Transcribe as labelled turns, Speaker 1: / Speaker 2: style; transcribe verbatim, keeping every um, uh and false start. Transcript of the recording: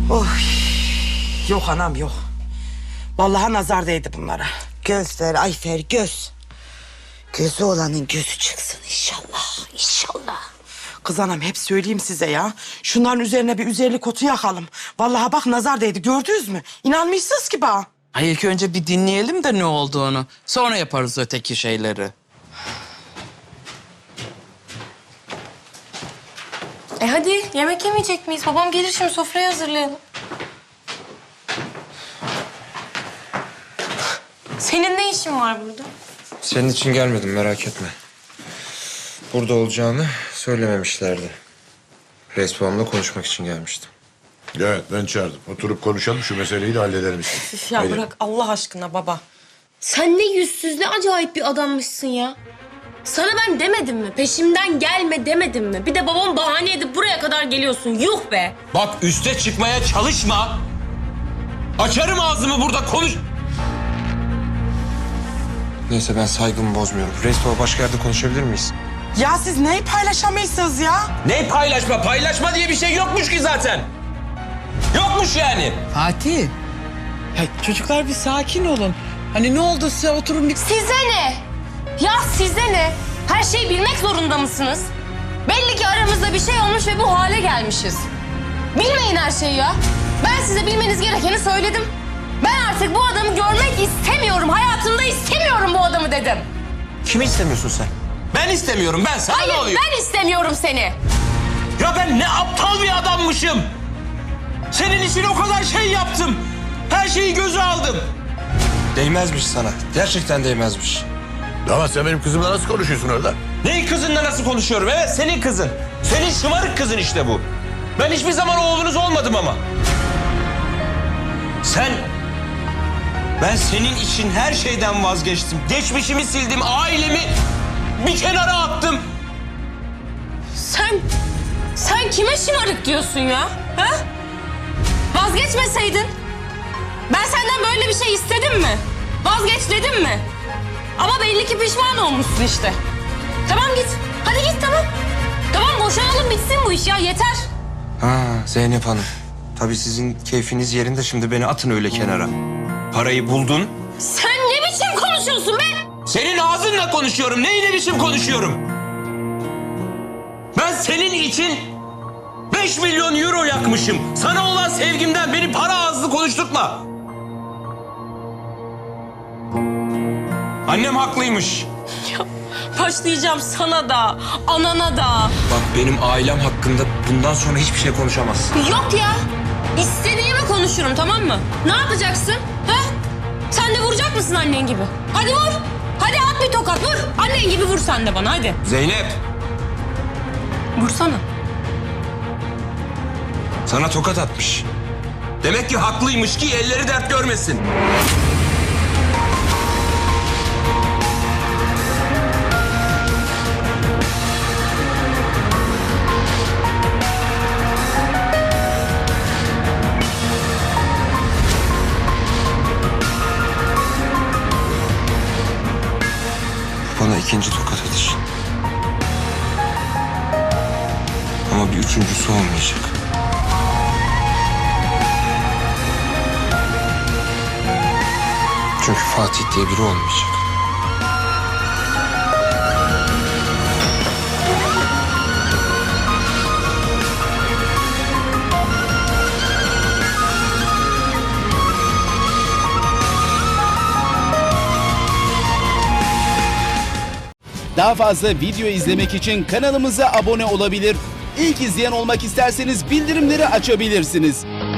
Speaker 1: Oy. Yok anam yok. Vallahi nazar değdi bunlara.
Speaker 2: Göz ver Ayfer, göz. Gözü olanın gözü çıksın inşallah, inşallah.
Speaker 1: Kız anam hep söyleyeyim size ya. Şunların üzerine bir üzerlik otu yakalım. Vallahi bak nazar değdi, gördünüz mü? İnanmışsınız ki bana.
Speaker 3: Ay ilk önce bir dinleyelim de ne olduğunu. Sonra yaparız öteki şeyleri.
Speaker 4: E hadi yemek yemeyecek miyiz? Babam gelir şimdi sofrayı hazırlayalım. Senin ne işin var burada?
Speaker 5: Senin için gelmedim, merak etme. Burada olacağını söylememişlerdi. Reis babamla konuşmak için gelmiştim.
Speaker 6: Evet, ben çağırdım. Oturup konuşalım, şu meseleyi de halledelim işte.
Speaker 4: Üf ya
Speaker 6: Haydi.
Speaker 4: bırak Allah aşkına baba. Sen ne yüzsüz ne acayip bir adammışsın ya. Sana ben demedim mi? Peşimden gelme demedim mi? Bir de babam bahane edip buraya kadar geliyorsun. Yuh be!
Speaker 5: Bak üste çıkmaya çalışma. Açarım ağzımı burada konuş. Neyse ben saygımı bozmuyorum. Reis baba başka yerde konuşabilir miyiz?
Speaker 1: Ya siz neyi paylaşamıyorsunuz ya?
Speaker 5: Ne paylaşma? Paylaşma diye bir şey yokmuş ki zaten. Yokmuş yani.
Speaker 3: Fatih. Ya çocuklar bir sakin olun. Hani ne oldu size oturun bir...
Speaker 4: Size ne? Ya size ne? Her şeyi bilmek zorunda mısınız? Belli ki aramızda bir şey olmuş ve bu hale gelmişiz. Bilmeyin her şeyi ya. Ben size bilmeniz gerekeni söyledim. Ben artık bu adamı görmek istemiyorum. Hayatımda istemiyorum bu adamı dedim.
Speaker 5: Kimi istemiyorsun sen? Ben istemiyorum. Ben sana
Speaker 4: Hayır
Speaker 5: ne oluyor?
Speaker 4: ben istemiyorum seni.
Speaker 5: Ya ben ne aptal bir adammışım. Senin için o kadar şey yaptım. Her şeyi göze aldım. Değmezmiş sana. Gerçekten değmezmiş.
Speaker 6: Ama sen benim kızımla nasıl konuşuyorsun orada?
Speaker 5: Neyin kızınla nasıl konuşuyorum? Evet senin kızın. Senin şımarık kızın işte bu. Ben hiçbir zaman oğlunuz olmadım ama. Sen... Ben senin için her şeyden vazgeçtim. Geçmişimi sildim, ailemi bir kenara attım.
Speaker 4: Sen, sen kime şımarık diyorsun ya? Ha? Vazgeçmeseydin. Ben senden böyle bir şey istedim mi? Vazgeç dedim mi? Ama belli ki pişman olmuşsun işte. Tamam git. Hadi git tamam. Tamam boşanalım bitsin bu iş ya yeter.
Speaker 5: Ha Zeynep Hanım. Tabii sizin keyfiniz yerinde, şimdi beni atın öyle kenara. Parayı buldun.
Speaker 4: Sen ne biçim konuşuyorsun be?
Speaker 5: Senin ağzınla konuşuyorum. Neyi ne biçim konuşuyorum? Ben senin için beş milyon euro yakmışım. Sana olan sevgimden beni para ağızlı konuşturtma. Annem haklıymış.
Speaker 4: Ya, başlayacağım sana da, anana da.
Speaker 5: Bak benim ailem hakkında bundan sonra hiçbir şey konuşamazsın.
Speaker 4: Yok ya. İstediğimi konuşurum tamam mı? Ne yapacaksın? Ha? Sen de vuracak mısın annen gibi? Hadi vur. Hadi at bir tokat vur. Annen gibi vur sen de bana hadi.
Speaker 5: Zeynep,
Speaker 4: Vursana.
Speaker 5: sana tokat atmış. Demek ki haklıymış ki elleri dert görmesin. Bana ikinci tokat atış. Ama bir üçüncüsü olmayacak. Çünkü Fatih diye biri olmayacak.
Speaker 7: Daha fazla video izlemek için kanalımıza abone olabilir. İlk izleyen olmak isterseniz bildirimleri açabilirsiniz.